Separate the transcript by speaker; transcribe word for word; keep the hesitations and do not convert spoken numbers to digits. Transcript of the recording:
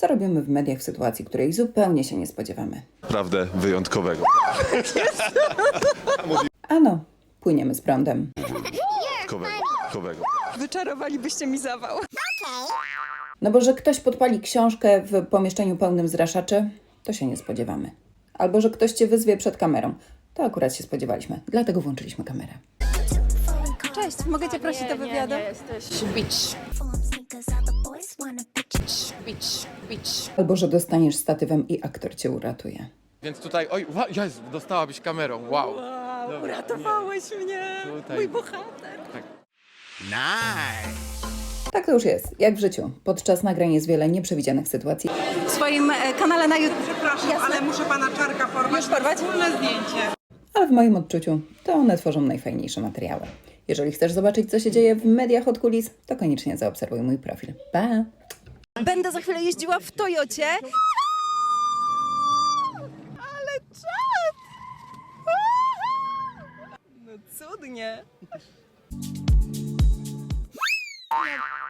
Speaker 1: co robimy w mediach w sytuacji, której zupełnie się nie spodziewamy.
Speaker 2: Naprawdę wyjątkowego.
Speaker 1: Ano, płyniemy z prądem.
Speaker 2: Wyjątkowego. wyjątkowego.
Speaker 3: Wyczarowalibyście mi zawał.
Speaker 1: No bo że ktoś podpali książkę w pomieszczeniu pełnym zraszaczy, to się nie spodziewamy. Albo że ktoś cię wyzwie przed kamerą. To akurat się spodziewaliśmy, dlatego włączyliśmy kamerę.
Speaker 3: Cześć, mogę cię prosić do wywiadu?
Speaker 4: Nie, nie jesteś. Bitch. Bitch. Bitch.
Speaker 1: Albo że dostaniesz statywem i aktor cię uratuje.
Speaker 5: Więc tutaj, oj, wa- Jezu, dostałabyś kamerą, wow.
Speaker 3: Wow, uratowałeś mnie,
Speaker 5: Tutaj.
Speaker 3: mój bohater.
Speaker 1: Tak to już jest, jak w życiu. Podczas nagrań jest wiele nieprzewidzianych sytuacji,
Speaker 3: W swoim e, kanale na YouTube.
Speaker 6: Przepraszam, ale muszę pana Czarka porwać.
Speaker 3: Już porwać?
Speaker 6: Wspólne zdjęcie.
Speaker 1: ale w moim odczuciu to one tworzą najfajniejsze materiały. Jeżeli chcesz zobaczyć, co się dzieje w mediach od kulis, to koniecznie zaobserwuj mój profil. Pa!
Speaker 3: Będę za chwilę jeździła w Toyocie. Ale czad! No cudnie.